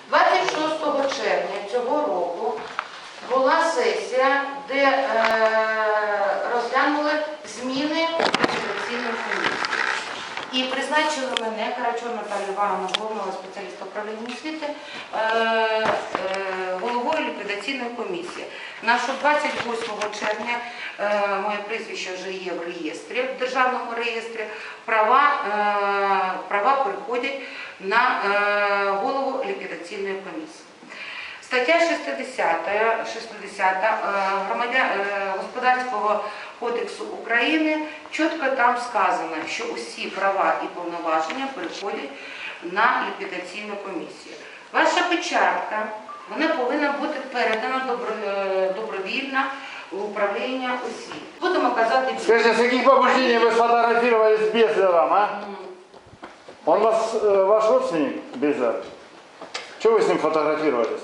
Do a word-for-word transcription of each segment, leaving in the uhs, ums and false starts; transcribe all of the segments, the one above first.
двадцять шостого червня цього року була сесія, де е, розглянули зміни в ліквідаційну комісію. І призначили мене, Карачур Наталію Івановну, головного спеціаліста управління освіти, е, е, головою ліквідаційної комісії. На що двадцять восьмого червня е, моє прізвище вже є в реєстрі, в державному реєстрі, права, е, права переходять на е, голову ліквідаційної комісії. Стаття шістдесята, шістдесята громадян, Господарського кодексу України чітко там сказано, що усі права і повноваження переходять на ліквідаційну комісію. Ваша печатка, вона повинна бути передана добровільно в управління освіти. Будемо казати... Скажите, с каких побуждений вы сфотографировались с Безлером, а? Он вас, э, ваш родственник, Безлер? Чего вы с ним фотографировались?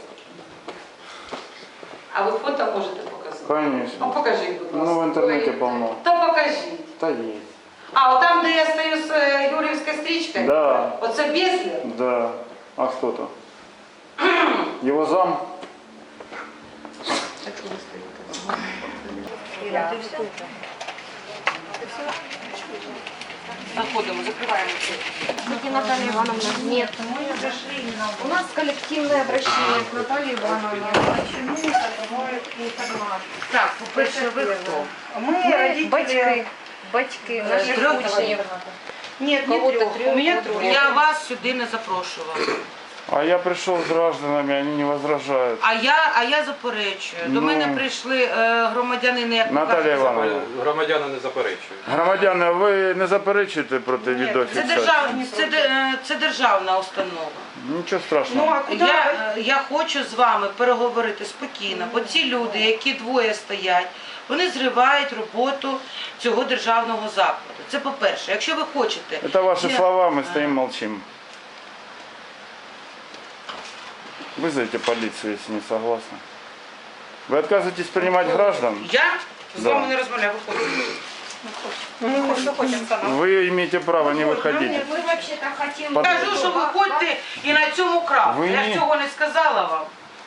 А ви фото можете показати? Конечно. Ну покажіть, будь ласка. Ну, в интернете полно. Та покажіть. Да есть. А, от там, де я стою з е, Юріївською стрічкою? Да. Оце Безлер? Да. А кто то? Его зам? Заходимо, закриваємо. Где Наталья Ивановна? Нет. У нас коллективное обращение к Наталье Ивановне. Почему закрывают информацию? Так, по-перше, ви хто? Мы родители... Батьки. Батьки наших учнів. Нет, не трех. У меня трое. Я вас сюди не запрошувала. А я пришел с гражданами, они не возражают. А я, а я заперечую. До Ну. мене прийшли е, громадянини, як ви Наталія кажете, Івановна. Громадяни не заперечують. Громадяни, ви не заперечуєте проти Це, відеофіксації? держав, це, де- е, це державна установа. Нічого страшного. Я, е, я хочу з вами переговорити спокійно, бо ці люди, які двоє стоять, вони зривають роботу цього державного закладу. Це по-перше. Якщо ви хочете... Это ваши Я- слова, мы стоим молчим. Вызовите полицию, если не согласны. Вы отказываетесь принимать граждан? Я з Да. вами не розмовляю, виходьте. Вы имеете право не выходить. Мы вообще-то хотим... Под- Кажу, що виходьте і на цьому крапку. Ви Я ні. ж цього не сказала вам.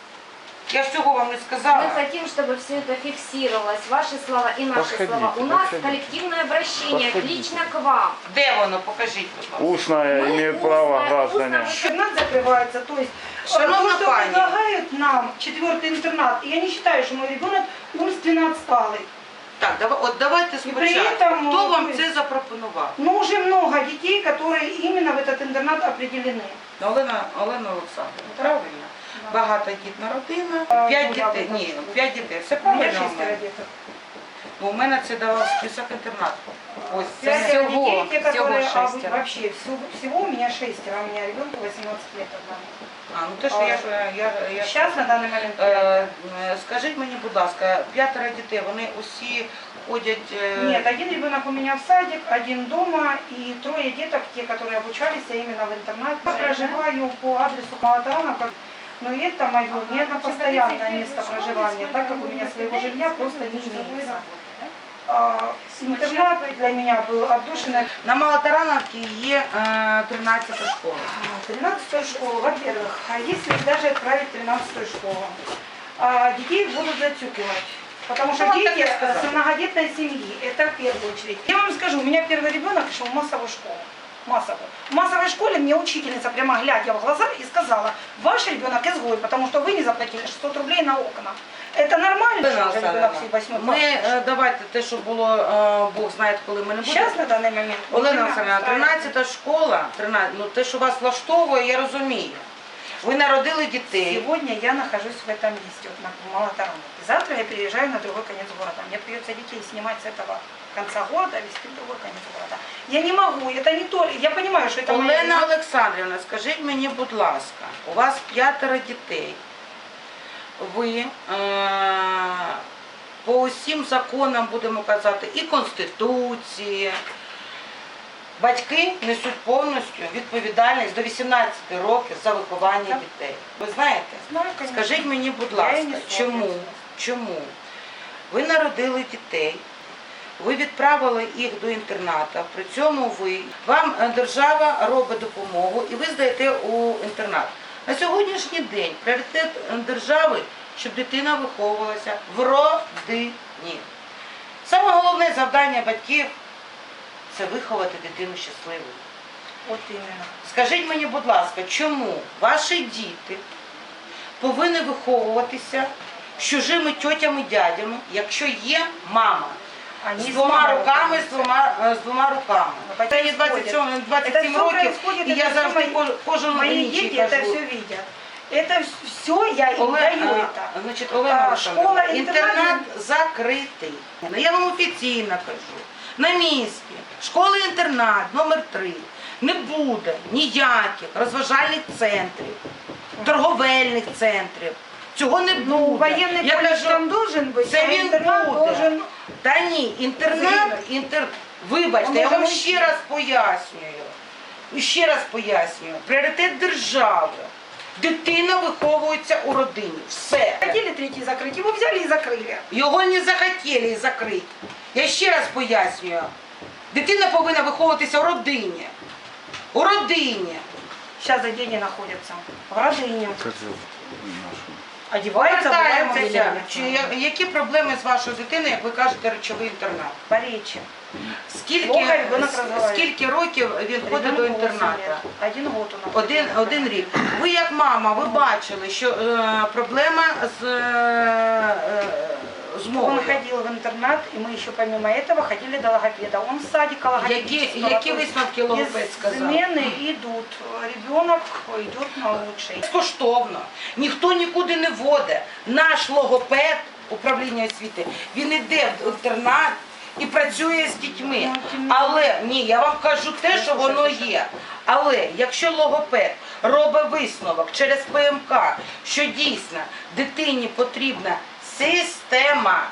Я ж цього вам не Мы сказала. хотим, чтобы все это фиксировалось, ваши слова и наши Подходите, слова. У нас подходите. коллективное обращение Подходите. лично к вам. Де воно? Покажіть, будь ласка. Устное Мы имеют устно- право устно граждане. Интернат закрывается, то есть э, Шановна то, что пані. предлагают нам четвертый интернат, я не считаю, что мой ребенок умственно отсталый. Так, давай, от давайте І при спочатку. этом, Хто вам ну, це запропонував? Но уже много детей, которые именно в этот интернат определены. Олена, Олена Олександрівна, правильно? Багатодітна родина, п'ять ну, я дітей. би Ні, так п'ять дітей. Все У меня правильно. у шестеро мене? деток. Ну, у мене це давав список інтернату. Ось це. Пятеро Всего, детей, те, всего которые, а, шестеро. вообще, всего, всего у меня шестеро, а у меня ребенку восемнадцать лет одному. А, ну те, що я, ж- я, я... Сейчас на данный момент Е, пять. е, Скажіть мені, будь ласка, п'ятеро дітей, вони усі ходять... е, Нет, один ребенок у меня в садик, один дома и трое деток, те, которые обучались а именно в интернате. Я проживаю по адресу Малатарановка, но это мое не на постоянное место проживания, так как у меня своего жилья просто не имеется. А, интернат для меня был отдушиной. На Малотарановці є е, тринадцята школа. тринадцатую школу, во-первых, а если даже отправить в тринадцатую школу, а, детей будут зацюкивать. Потому что Ну, дети так я сказала. с многодетной семьи, это в первую очередь. Я вам скажу, у меня первый ребенок шел в массовую школу. Массовую. В массовой школе мне учительница, прямо глядя в глаза, и сказала: ваш ребенок изгой, потому что вы не заплатили шестьсот рублей на окна. Это нормально, Олена что ребенок Олександрівна, в восьмой Ми е, давайте те, що було, е, Бог знає, коли ми не будемо. Сейчас на данный момент. Олена Олександрівна, тринадцята школа, тринадцята, ну те, що вас влаштовує, я розумію. Ви народили дітей. Сегодня я нахожусь в этом месте, вот на Малотарановке. Завтра я переезжаю на другой конец города. Мне придется детей снимать с этого конца города, везти в другой конец города. Я не могу, это не то. Я понимаю, что это моя Олена Олександрівна, скажіть мені, будь ласка, у вас п'ятеро дітей. Ви е, по усім законам, будемо казати, і Конституції, батьки несуть повністю відповідальність до вісімнадцяти років за виховання дітей. Ви знаєте? Знаю, конечно. Скажіть мені, будь Я ласка, і не чому, спорю. чому ви народили дітей, ви відправили їх до інтернату, при цьому ви, вам е, держава робить допомогу і ви здаєте у інтернат. На сьогоднішній день пріоритет держави, щоб дитина виховувалася в родині. Саме головне завдання батьків – це виховати дитину щасливою. Вот именно. Скажіть мені, будь ласка, чому ваші діти повинні виховуватися з чужими тьотями, дядями, якщо є мама? Они З с двома мамой руками, з воспитываются. двома, е, з двома руками. Ну, Мені это двадцять сім, Это двадцять сім все років, происходит, і я это завжди всё кож- кожен мои інший дети это кажу. все видят. Это все я им Олег, даю а, это. значить, Олена А, Олександрівна, школа, інтернат інтернат. закритий. Ну, я вам офіційно кажу. На місці школи-інтернат номер три не буде ніяких розважальних центрів, торговельних центрів. Цього не буде. Ну, военный Я колледж кажу, там должен быть, це а він интернат буде. должен... Та ні, інтернат, інтер... вибачте, А я вам може, ще раз пояснюю. І ще раз пояснюю. Пріоритет держави. Дитина виховується у родині. Все. Хотели третий закрыть, его взяли и закрыли. Його не захотіли закрити. Я ще раз пояснюю. Дитина повинна виховуватися у родині. У родині. Сейчас за деньги находятся в родине. Как зовут нашу? Одеваются, бывают Повертаємося. Чи я- які проблеми з вашою дитиною, як ви кажете, речовий інтернат? по речи. Скільки, Плохо ребенок с- розвивається. скільки років він ходить Ребенку до восемь інтернату? лет. Один год у нас. Один, один рік. Ви як мама, ви бачили, що е, проблема з, е, з Он мовою. ходил в интернат, и мы еще помимо этого ходили до логопеда. Он в садика Які, логопедического. які то есть висновки логопед сказав? Измены идут. Ребенок идет на лучший. Безкоштовно. Ніхто нікуди не водить. Наш логопед, управління освіти, він іде в інтернат і працює з дітьми. Але, ні, я вам кажу те, що воно є. Але якщо логопед робить висновок через П М К, що дійсно дитині потрібна система,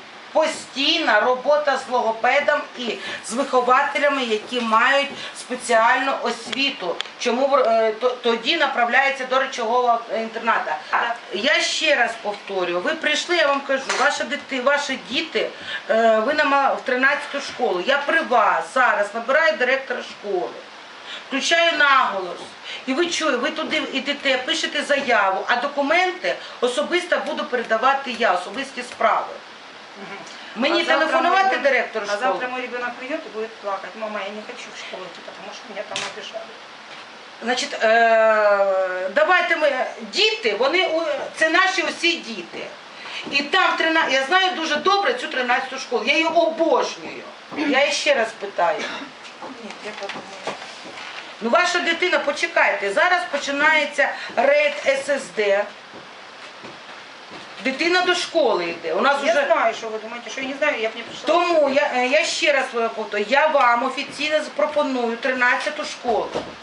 постійна робота з логопедом і з вихователями, які мають спеціальну освіту. Чому е, то- тоді направляється до речового інтерната. Я ще раз повторюю, ви прийшли, я вам кажу, ваші діти, ваші діти, е, ви на в тринадцяту школу. Я при вас зараз набираю директора школи. Включаю наголос. І ви чуєте, ви туди йдете, пишете заяву, а документи особисто буду передавати я, особисті справи. Мені А завтра телефонувати мой- директору А школи? завтра мой ребенок придет и будет плакать. Мама, я не хочу в школу идти, потому что меня там обижали. Значить, е, давайте ми, діти, вони, у- це наші усі діти. І там, тринадцять, я знаю дуже добре цю тринадцяту школу, я її обожнюю. Я її ще раз питаю. Нет, я подумаю. Ну, ваша дитина, почекайте, зараз починається рейд С С Д. Дитина до школи йде. У нас Я вже... знаю, что вы думаете, что я не знаю, я бы не пришла. Тому я, е, я ще раз повторюю, я вам офіційно запропоную тринадцяту школу.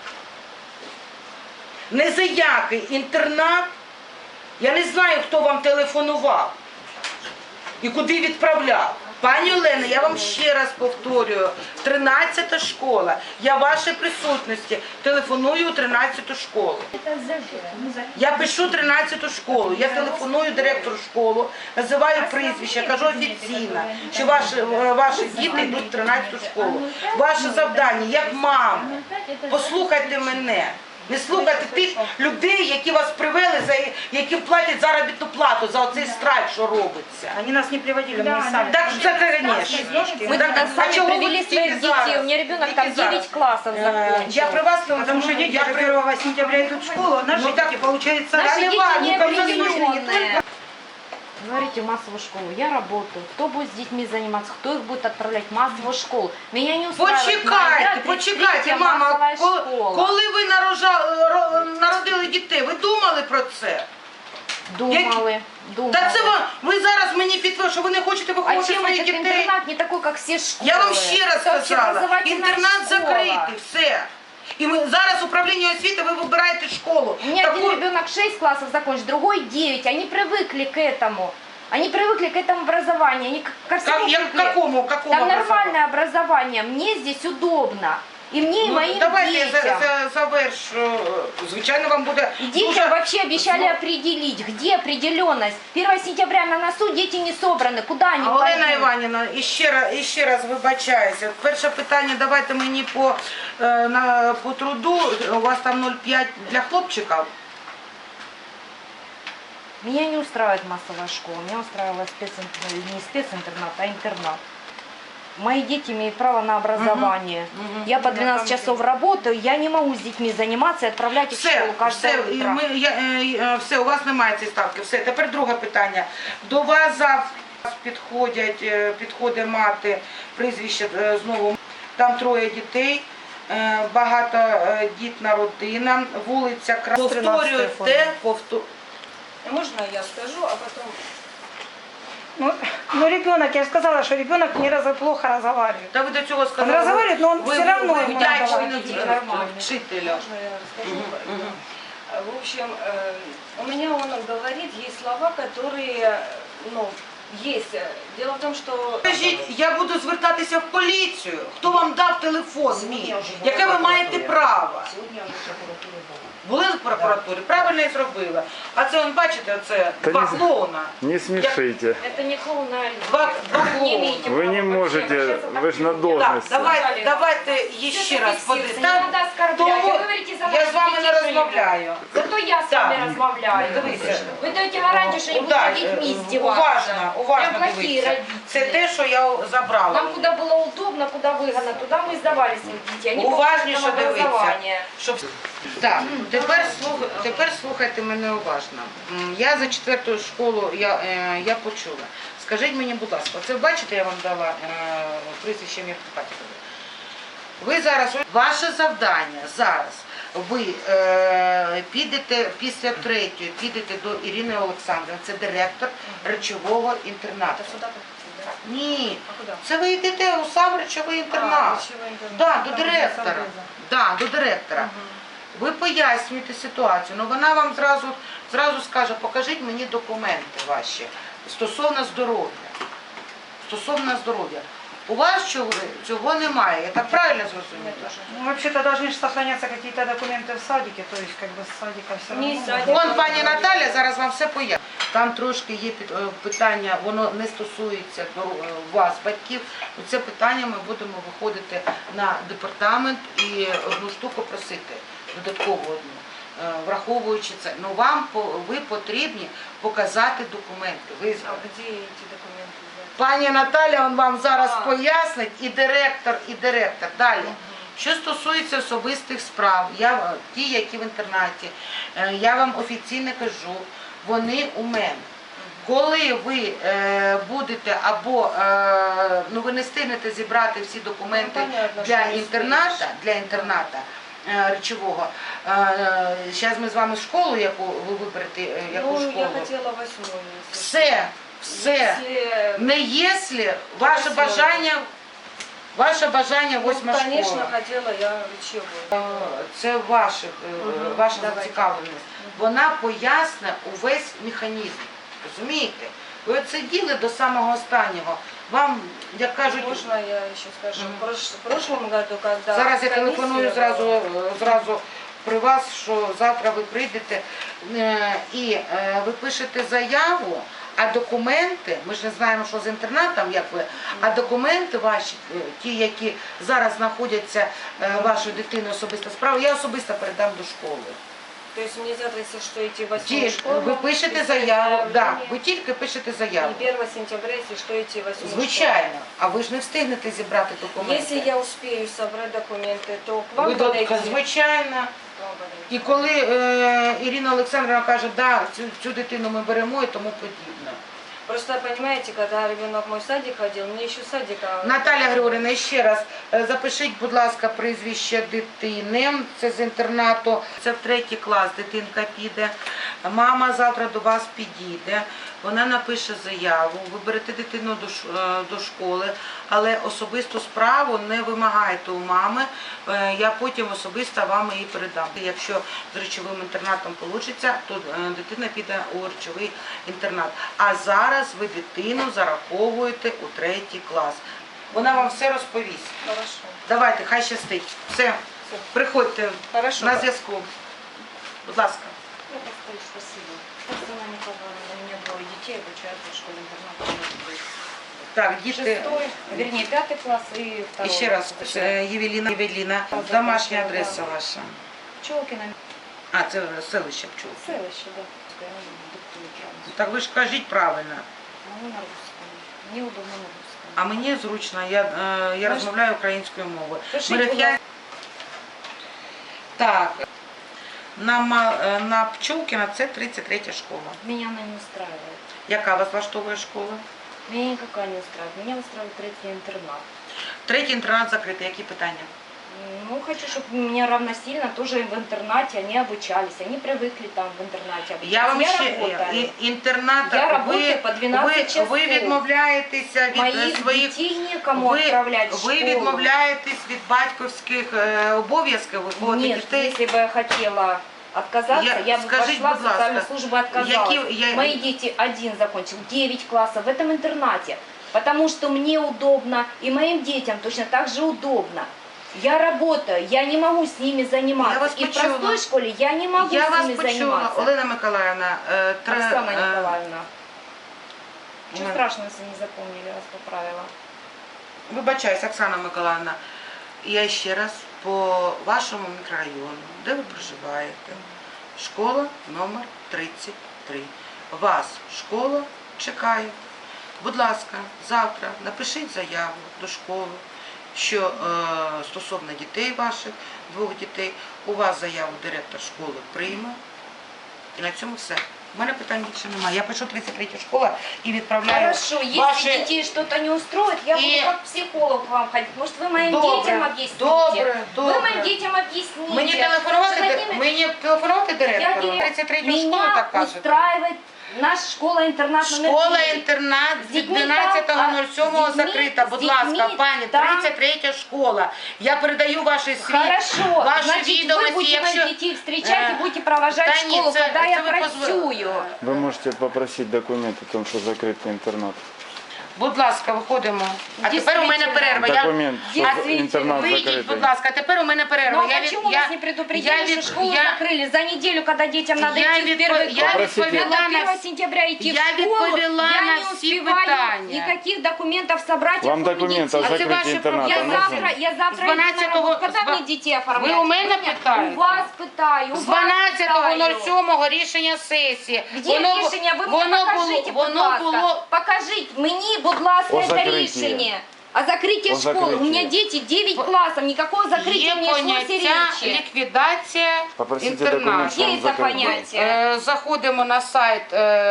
Не за який інтернат, я не знаю, хто вам телефонував і куди відправляв. Пані Олена, я вам ще раз повторюю, тринадцята школа, я в вашій присутності телефоную у тринадцяту школу. Я пишу тринадцяту школу, я телефоную директору школи, називаю прізвище, кажу офіційно, що ваші, ваші діти йдуть в тринадцяту школу. Ваше завдання, як мама, послухайте мене. Не слухайте тих людей, які вас привели, за які платять заробітну плату за оцей страйк, що робиться. Они нас не приводили, мы сами. Так що це, звісно. Мы Так, тогда а сами чого ви привели тільки своих детей. зараз? У меня ребенок Тільки там зараз? девять классов Е, закончил. Я при вас Потому что дети я до при... первого сентября идут в школу, а наши Ну, так- дети, получается, Наши не дети важно, не как раз определенные. Говорите массовую школу. Я работаю. Кто будет с детьми заниматься? Кто их будет отправлять в массовую школу? Меня не устраивает Почекайте, моя почекайте, тридцать третья мама, массовая коли, школа. коли ви нарожа- ро- народили дітей, ви думали про це? Думали, думали. Та це ви, ви зараз мені підтвердили, що ви не хочете А виховувати чем своїх этот дітей. интернат не такой, как все школы? Я вам ще раз Это сказала, общеобразовательная інтернат школа. закритий, все. І ми зараз управління освіти, ви вибираєте школу. У меня Таку- один ребенок шесть классов закончил, другой девять. Они привыкли к этому. Они привыкли к этому образованию. Они к- ко всему Как, я, к привыкли. какому, какому Там образованию? нормальное образование. Мне здесь удобно. И мне, и Ну, моим давайте я детям. за, за, завершу. Звичайно, вам буде И детям дуже... вообще обещали определить, где определенность. первого сентября на носу дети не собраны. Куда они А, Олена пойдут? Іванівна, і ще раз, і ще раз вибачаюся. Перше питання, давайте мені по, е, на, по труду. У вас там нуль п'ять для хлопчиків? Меня не устраивает массовая школа, меня устраивала специнтернат, не специнтернат, а интернат. Мои дети имеют право на образование. Мгм. Я по двенадцать часов работаю, я не могу с детьми заниматься и отправлять их в Все, школу каждое все, і утро. ми, я, е, е, все, у вас немає цієї ставки. Все, тепер друге питання. До вас завтра підходять, е, підходить мати, прізвище е, знову. Там троє дітей, е, багатодітна родина, вулиця Кра... Повторюйте, повтор... Можно я скажу, а потом... Ну, ну ребенок, я же сказала, что ребенок не раз, плохо разговаривает. Та ви до цього сказали. Он разговаривает, но он ви, все равно ви ему вдячні надо. нормально. вчителя. Можно я расскажу? Мгм, мгм. В общем, э, у меня он говорит, есть слова, которые, ну, есть. Дело в том, что... Скажіть, я буду звертатися в поліцію. Хто вам дав телефон мій? Яке ви маєте право? Сегодня уже прокуратура была. Були в прокуратурі? Правильно і зробила. А це, он, бачите, це Та два ні. клоуна. Не смешите. Это не клоун, а Два, два не клоуна. имеете Вы не права можете, вообще обращаться вы же на как хотите. Так, должности. давайте, давайте ще раз фиксируется, не подивимося. надо оскорблять. Тому Вы говорите за я наших з вами не детей, что розмовляю. Зато я с Так. вами размовляю. Дивіться. Вы даете гарантию, что не будете Да, над детьми е, издеваться. уважно, уважно Прям плохие дивіться. родители. Це те, що я забрала. Нам куда было удобно, куда выгодно, туда мы сдавали своих детей. Они Уважніше получают там дивіться. образование. Щоб... Так, тепер, слух... тепер слухайте мене уважно. М, Я за четверту школу я, е, я почула. Скажіть мені, будь ласка, це бачите, я вам дала е, прізвище ім'я по батькові. Ви зараз, ваше завдання зараз, ви е, підете після третьої, підете до Ірини Олександрівни, це директор речового інтернату. Это сюда подходит, да? Ні, А куда? це ви йдете у сам речовий інтернат. речовий інтернат. Да, до Там, де директора. Савриза. Да, до директора. Ви пояснюєте ситуацію, але вона вам зразу, зразу скаже, покажіть мені документи ваші стосовно здоров'я. Стосовно здоров'я. У вас цього, цього немає, я так правильно зрозуміла? Ну, вообще-то должны же сохраняться какие-то документы в садике, то есть как бы с садика все Не равно. из садика. Вон пані Наталя зараз вам все пояснить. Там трошки є під- е, питання, воно не стосується до е, вас, батьків. Це питання ми будемо виходити на департамент і одну штуку просити, додаткову одну. Е, Враховуючи це, ну вам по- ви потрібні показати документи. Ви А где эти документы взять? Пані Наталя он вам зараз А. пояснить, і директор, і директор. Далі. Що стосується особистих справ, я, ті, які в інтернаті, е, я вам офіційно кажу, вони у мене. Коли ви е, будете або е, ну, ви не встигнете зібрати всі документи Ну, понятно, для що не інтерната, встигнеш. для інтерната е, речового, зараз ми з вами школу, яку ви виберете, е, яку Ну, школу. я хотела восьмую. если Все, все. Если- Не якщо ваше Восьмою. бажання, ваше бажання Ну, восьма конечно, школа. хотела я речевую. Е, Це ваше, е, Мгм, ваша давайте. зацікавленість. Вона поясне увесь механізм. Розумієте? Ви от сиділи до самого останнього. Вам, як кажуть, Можно я еще скажу? Мгм. В прош- в прошлом году, когда зараз я комиссия телефоную была- зразу, е, зразу при вас, що завтра ви прийдете е, і е, ви пишете заяву, а документи, ми ж не знаємо, що з інтернатом, як ви, а документи ваші, е, ті, які зараз знаходяться е, вашої дитини особиста справа, я особисто передам до школи. То есть мне завтра, если что, идти в восьмую Ті, школу? ви пишете писать заяву, да, заявление, ви тільки пишете заяву. И первого сентября, если что, идти в восьмую Звичайно, а ви ж не встигнете зібрати школу. документи. Если я успею собрать документы, то к вам Ви до- подойти. звичайно. К вам подойти. І коли е, Ірина Олександрівна каже, да, цю, цю дитину ми беремо і тому подібне. Просто, понимаете, когда ребенок в мой садик ходил, мне еще садика... Наталя Григорівна, ще раз, е, запишіть, будь ласка, прізвище дитини, це з інтернату, це в третій клас дитинка піде, мама завтра до вас підійде, вона напише заяву, ви берете дитину до, ш- е, до школи, але особисту справу не вимагайте у мами, е, я потім особисто вам її передам. Якщо з речовим інтернатом вийде, то е, дитина піде у речовий інтернат. А зараз ви дитину зараховуєте у третій клас. Вона вам все розповість. Хорошо. Давайте, хай щастить. Все, приходьте Хорошо. на зв'язку. Будь ласка. Ну, просто спасибо. Светлана Николаевна, у меня двое детей обучаются в школе-интернате. Так, діти. Шестой, вернее, пятый класс и І второй. ще раз, е, Євеліна, Євеліна, домашня адреса ваша. Пчелкина. А, це селище Пчул. Селище, да. неправильно. Так ви ж кажіть правильно. Могу на русском. Мне удобно на русском. А мені зручно, я, е, я Можеш- розмовляю українською мовою. Пишіть, Мерефя- будь ласка. Так, на, Ма- е, на Пчолкіна це тридцять третя школа. Меня она не устраивает. Яка вас влаштовує школа? Меня никакая не устраивает. Меня устраивает третий интернат. Третій інтернат закритий. Які питання? Ну, хочу, чтобы меня равносильно тоже в интернате они обучались. Они привыкли там в интернате обучаться. Я вам ще работаю. і- інтернат. Я ви, работаю по двенадцать ви, часов. ви відмовляєтеся від е, Моих своїх. детей некому Ви, отправлять в ви школу. відмовляєтесь від батьківських е, обов'язків виховувати Нет, дітей. если бы я хотела отказаться, Я- я, бы скажите, пошла в будь ласка, социальную службу и отказалась. які- я- Мои дети один закончил, девять классов в этом интернате, потому что мне удобно и моим детям точно так же удобно. Я работаю, я не могу с ними заниматься. Я вас и в почула. простой школе я не могу Я с вас ними почула, заниматься. Олена Миколаївна. е, тре- Оксана е, Николаевна. Ничего Ой. страшного, если не запомнили, я вас поправила. Вибачаюсь, Оксана Миколаївна. Я ще раз по вашому мікрорайону, де ви проживаєте, школа номер тридцять три. Вас школа чекає. Будь ласка, завтра напишіть заяву до школи, що е, стосовно дітей ваших, двох дітей, у вас заяву директор школи прийме. І на цьому все. У мене питань більше немає. Я пишу тридцять третя школа і відправляю Хорошо, если ваші... детей что-то не устроит, я И- буду как психолог к вам ходить. Может, вы моим Добре, детям объясните? добре, добре. Вы моим детям объясните. Мені телефонувати, Что над ди- ними- мені телефонувати Я директору? директор. тридцять третю школу Меня так кажете? устраивает наша школа-интернат номер Школа-інтернат З з дітьми дванадцятого там, а, сьомого з дітьми- закрита. з Будь дітьми ласка, пані, там- тридцять третя школа. Я передаю ваші свій, Хорошо, ваші значит, вы відомості. будете моих Якщо... детей встречать Э, и будете провожать да в школу, нет, це- когда це я ви працюю. Вы можете попросить документ о том, что закрытый интернат. Будь ласка, виходимо. А тепер у мене Дійсно. перерва. Я... Документ, что Действительно. интернат Вийдіть, будь закрытый. ласка, тепер у мене перерва. Ну а я почему я, вас не предупредили, я что від- школу я- закрыли за неделю, когда детям надо Я идти в відпо- первый я класс? Попросите. відповіла Надо на первого сентября идти Я в школу, відповіла я на не всі успеваю питання. никаких документов собрать. Вам оформить документы о детей. А це закрытии ваші интерната Я проблеми. завтра, нужны? я завтра З иду на дванадцятого работу. Когда з два- мне детей оформлять? Ви у мене У питаєте? вас питаю, у З вас дванадцятого питаю. сьомого рішення сесії. Где Воно бу- рішення? Ви воно мені було- покажіть, будь воно ласка. було Покажіть мені, будь ласка, О це закритті. рішення. О закрытии О школы. У меня закрытии. дети девять классов, никакого закрытия Є не шлось и поняття речи. ліквідація Попросите інтернату. документ, что Є он це закрытый. поняття. Е, Заходимо на сайт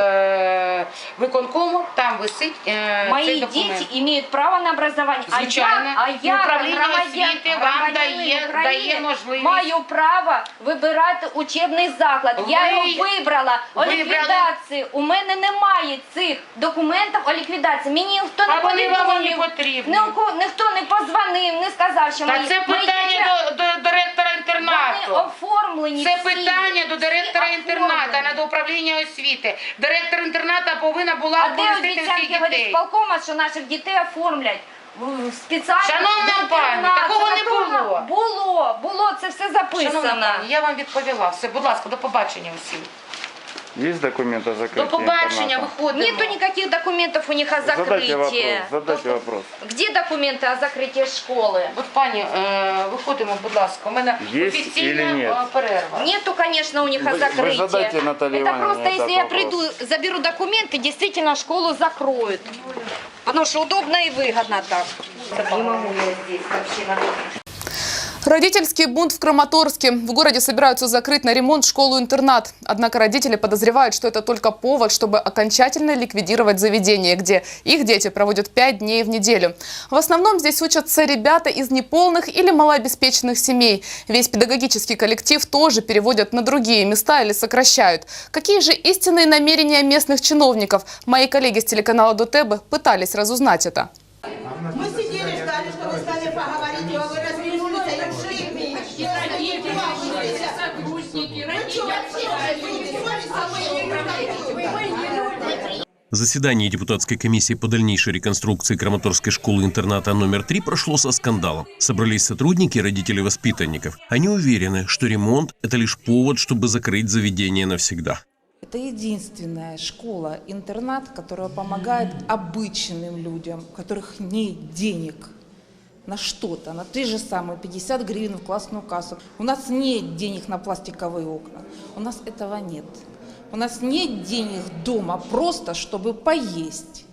е, виконкому, там висить е, Мои цей документ. дети имеют право на образование. Звичайно. А я, а І я управління громадян, освіти вам громадянин дає- України, дає можливість. маю право вибирати учебний заклад. Я Ви- його вибрала. О вибрали. ліквідації. У мене немає цих документів о ліквідації. Мені ніхто не А вони вам не повідомив. потрібні. Ніхто, ніхто не позвонив, не сказав, що Та мої, це мої питання діти- до, до директора вони інтернату. оформлені. Це всі. питання до директора Всі інтерната, а оформлені. не до управління освіти. Директор інтерната повинна була А де оповістити обіцянки всіх говорить дітей. сполкома, що наших дітей оформлять в- в спеціально? Шановна в пані, інтернат, такого що не такого- було. Було, було, це все записано. Шановна пані, я вам відповіла. Все, будь ласка, до побачення усім. Есть документ о закрытии До побачення, интерната? виходимо. Нету никаких документов у них о Задайте вопрос, закрытии. задайте вопрос. Где документы о закрытии школы? От, пані, е, виходимо, будь ласка. У мене Є офіційна или нет? е, перерва. Нету, конечно, у них о Вы- вы закрытии. задайте Наталье Это Ивановне просто, этот если я вопрос. приду, заберу документы, действительно школу закроют. Потому что удобно и выгодно так. Не могу я здесь вообще на Родительский бунт в Краматорске. В городе собираются закрыть на ремонт школу-интернат. Однако родители подозревают, что это только повод, чтобы окончательно ликвидировать заведение, где их дети проводят пять дней в неделю. В основном здесь учатся ребята из неполных или малообеспеченных семей. Весь педагогический коллектив тоже переводят на другие места или сокращают. Какие же истинные намерения местных чиновников? Мои коллеги с телеканала ДОТЭБ пытались разузнать это. Мы сидели, ждали, что вы с нами поговорите, а вы развернулись, а я в шее мне. Заседание депутатской комиссии по дальнейшей реконструкции Краматорской школы-интерната номер три прошло со скандалом. Собрались сотрудники и родители воспитанников. Они уверены, что ремонт – это лишь повод, чтобы закрыть заведение навсегда. Это единственная школа-интернат, которая помогает обычным людям, у которых нет денег на что-то, на те же самые пятьдесят гривен в классную кассу. У нас нет денег на пластиковые окна, у нас этого нет. У нас нет денег дома просто, чтобы поесть.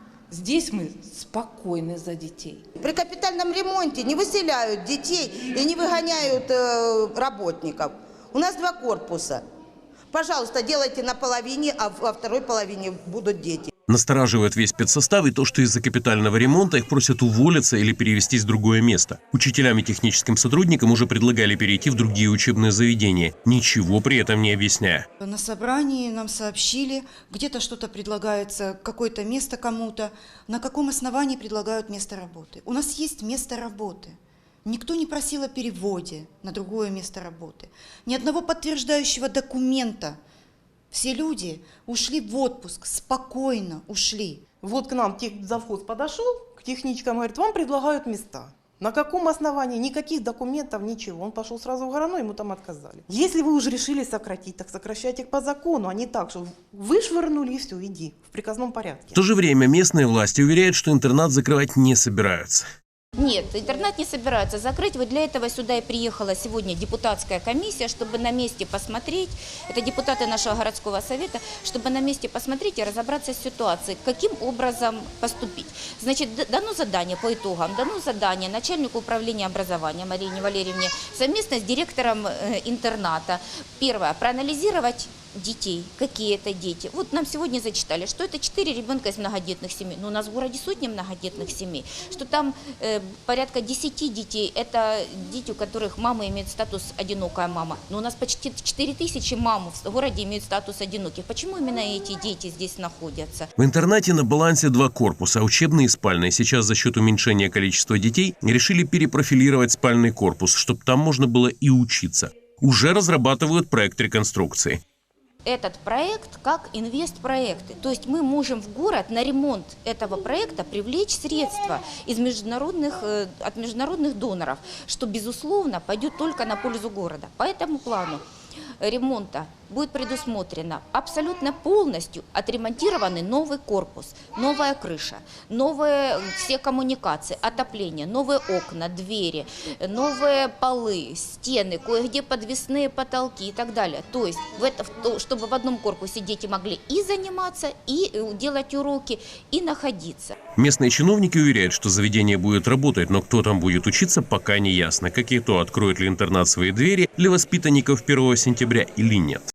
Здесь мы спокойны за детей. При капитальном ремонте не выселяют детей и не выгоняют э, работников. У нас два корпуса. Пожалуйста, делайте на половине, а во второй половине будут дети. Настораживает весь спецсостав и то, что из-за капитального ремонта их просят уволиться или перевестись в другое место. Учителям и техническим сотрудникам уже предлагали перейти в другие учебные заведения, ничего при этом не объясняя. На собрании нам сообщили, где-то что-то предлагается, какое-то место кому-то. На каком основании предлагают место работы? У нас есть место работы. Никто не просил о переводе на другое место работы. Ни одного подтверждающего документа. Все люди ушли в отпуск, спокойно ушли. Вот к нам техзавхоз подошел, к техничкам, говорит, вам предлагают места. На каком основании? Никаких документов, ничего. Он пошел сразу в Горано, ему там отказали. Если вы уже решили сократить, так сокращайте их по закону, а не так, что вышвырнули и все, иди в приказном порядке. В то же время местные власти уверяют, что интернат закрывать не собираются. Нет, интернат не собираются закрыть. Вот для этого сюда и приехала сегодня депутатская комиссия, чтобы на месте посмотреть, это депутаты нашего городского совета, чтобы на месте посмотреть и разобраться с ситуацией, каким образом поступить. Значит, дано задание по итогам, дано задание начальнику управления образования Марине Валерьевне совместно с директором интерната. Первое, проанализировать детей, какие это дети. Вот нам сегодня зачитали, что это четыре ребенка из многодетных семей, но у нас в городе сотни многодетных семей, что там э, порядка десяти детей, это дети, у которых мама имеет статус одинокая мама, но у нас почти четыре тысячи мам в городе имеют статус одиноких. Почему именно эти дети здесь находятся? В интернате на балансе два корпуса, учебные и спальные. Сейчас за счет уменьшения количества детей решили перепрофилировать спальный корпус, чтобы там можно было и учиться. Уже разрабатывают проект реконструкции. Этот проект как инвестпроекты. То есть мы можем в город на ремонт этого проекта привлечь средства из международных, от международных доноров, что, безусловно, пойдет только на пользу города. По этому плану ремонта будет предусмотрено абсолютно полностью отремонтированный новый корпус, новая крыша, новые все коммуникации, отопление, новые окна, двери, новые полы, стены, кое-где подвесные потолки и так далее. То есть, в это, чтобы в одном корпусе дети могли и заниматься, и делать уроки, и находиться. Местные чиновники уверяют, что заведение будет работать, но кто там будет учиться, пока не ясно. Как и то, откроет ли интернат свои двери для воспитанников первого сентября или нет.